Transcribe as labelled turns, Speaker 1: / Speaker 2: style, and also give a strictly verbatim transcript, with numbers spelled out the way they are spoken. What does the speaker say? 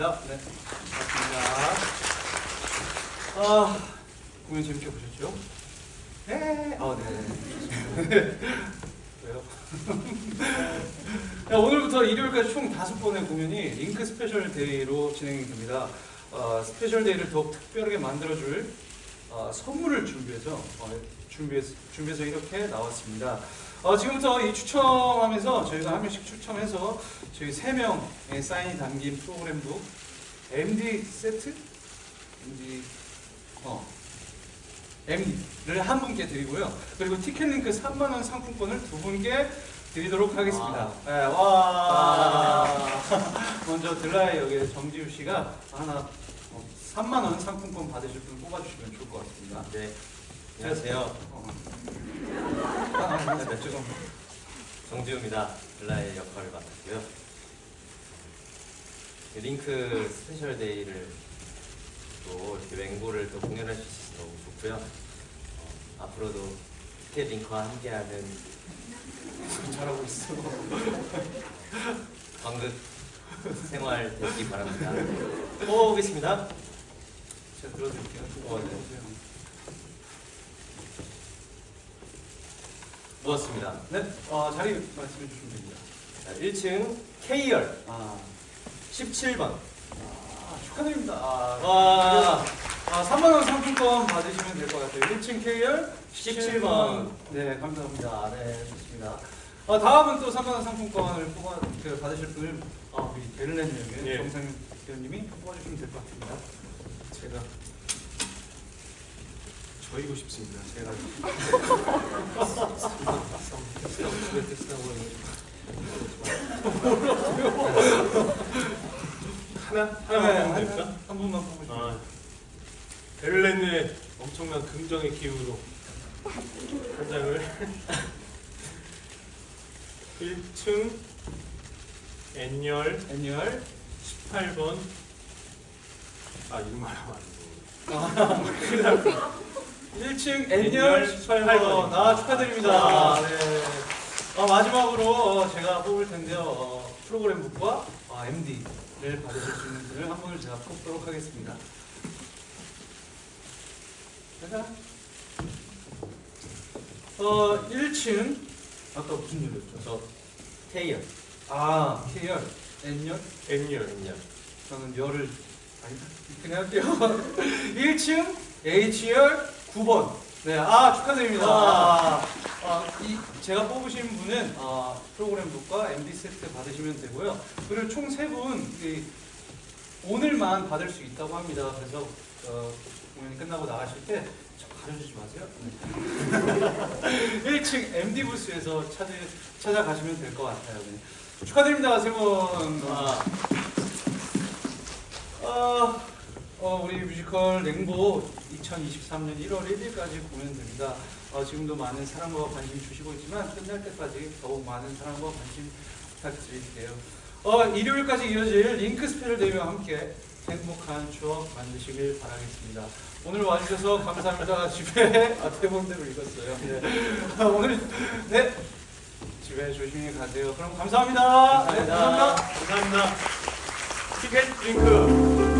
Speaker 1: 네, 반갑습니다. 아, 공연 재밌게 보셨죠? 네, 아, 네. 왜요? 네, 오늘부터 일요일까지 총 다섯 번의 공연이 링크 스페셜 데이로 진행이 됩니다. 어, 스페셜 데이를 더욱 특별하게 만들어줄 어, 선물을 준비해서 어, 준비해서, 준비해서 이렇게 나왔습니다. 어, 지금부터 이 추첨하면서 저희가 한 명씩 추첨해서 저희 세 명의 사인이 담긴 프로그램북 엠디 세트? 엠디 어 엠디를 한 분께 드리고요. 그리고 티켓링크 삼만 원 상품권을 두 분께 드리도록 하겠습니다. 네, 와. 먼저 들라의 역의 정지우 씨가 하나 어, 삼만 원 상품권 받으실 분 뽑아주시면 좋을 것 같습니다.
Speaker 2: 네. 안녕하세요.
Speaker 1: 어. 아, 네, 죄송합니다.
Speaker 2: 정지우입니다. 블라의 역할을 맡았고요. 링크 스페셜 데이를 또 이렇게 맹고를 또 공연할 수 있어서 너무 좋고요. 어, 앞으로도 티켓 링크와 함께하는
Speaker 1: 잘하고 있어.
Speaker 2: 광극 생활 되시기 바랍니다. 뽑아보겠습니다.
Speaker 1: 제가 들어드릴게요.
Speaker 2: 어, 네. 모았습니다.
Speaker 1: 네, 어, 자리 말씀해 주시면 됩니다.
Speaker 2: 자, 일 층 K열
Speaker 1: 아,
Speaker 2: 십칠 번.
Speaker 1: 아 축하드립니다. 아,
Speaker 2: 와.
Speaker 1: 아, 삼만 원 상품권 받으시면 될 것 같아요. 일 층 K열
Speaker 2: 십칠 번.
Speaker 1: 네, 감사합니다. 네, 좋습니다. 어, 다음은 또 삼만 원 상품권을 뽑아 그, 받으실 분을 아, 우리 베를렌역의
Speaker 2: 예.
Speaker 1: 정상윤 대표님이 뽑아주시면 될 것 같습니다. 제가 저이고 싶습니다. 제가
Speaker 3: 하나?
Speaker 1: 네,
Speaker 3: 하나만 보면
Speaker 1: 한,
Speaker 3: 될까?
Speaker 1: 한 분만 뽑으시면
Speaker 3: 아, 베를렌의 엄청난 긍정의 기운으로 한 장을 일 층 N열
Speaker 1: N열
Speaker 3: 십팔 번. 아, 이름 말하면 안 돼.
Speaker 1: 일 층
Speaker 3: N열
Speaker 1: N열
Speaker 3: 십팔
Speaker 1: 십팔 번.
Speaker 3: 번입니다.
Speaker 1: 아, 축하드립니다. 네. 어, 마지막으로 어, 제가 뽑을 텐데요. 어, 프로그램북과 어, 엠디를 받으실 수 있는 분을 한 분을 제가 뽑도록 하겠습니다. 제가 어, 일 층 아까 무슨 열이었죠?
Speaker 2: 저 K열.
Speaker 1: 아, K열, N열?
Speaker 3: N열.
Speaker 2: N열.
Speaker 1: 저는 열을 아니다. 그냥 할게요. 일 층 H열 구 번. 네, 아 축하드립니다. 아, 아, 이 제가 뽑으신 분은 아, 프로그램북과 엠디 세트 받으시면 되고요. 그리고 총 세 분 오늘만 받을 수 있다고 합니다. 그래서 어, 공연이 끝나고 나가실 때 저 가려주지 마세요. 네. 일 층 엠디 부스에서 찾아 찾아가시면 될 것 같아요. 네. 축하드립니다, 세 분. 아. 어, 어, 우리 뮤지컬 냉보 이천이십삼 년 일월 일일까지 공연됩니다. 어, 지금도 많은 사랑과 관심 주시고 있지만 끝날 때까지 더욱 많은 사랑과 관심 부탁드릴게요. 어, 일요일까지 이어질 링크 스페셜 데이와 함께 행복한 추억 만드시길 바라겠습니다. 오늘 와주셔서 감사합니다. 집에 아, 대본대로 읽었어요. 네. 오늘 네 집에 조심히 가세요. 그럼 감사합니다.
Speaker 2: 감사합니다.
Speaker 1: 네, 감사합니다.
Speaker 3: 감사합니다. 티켓 링크.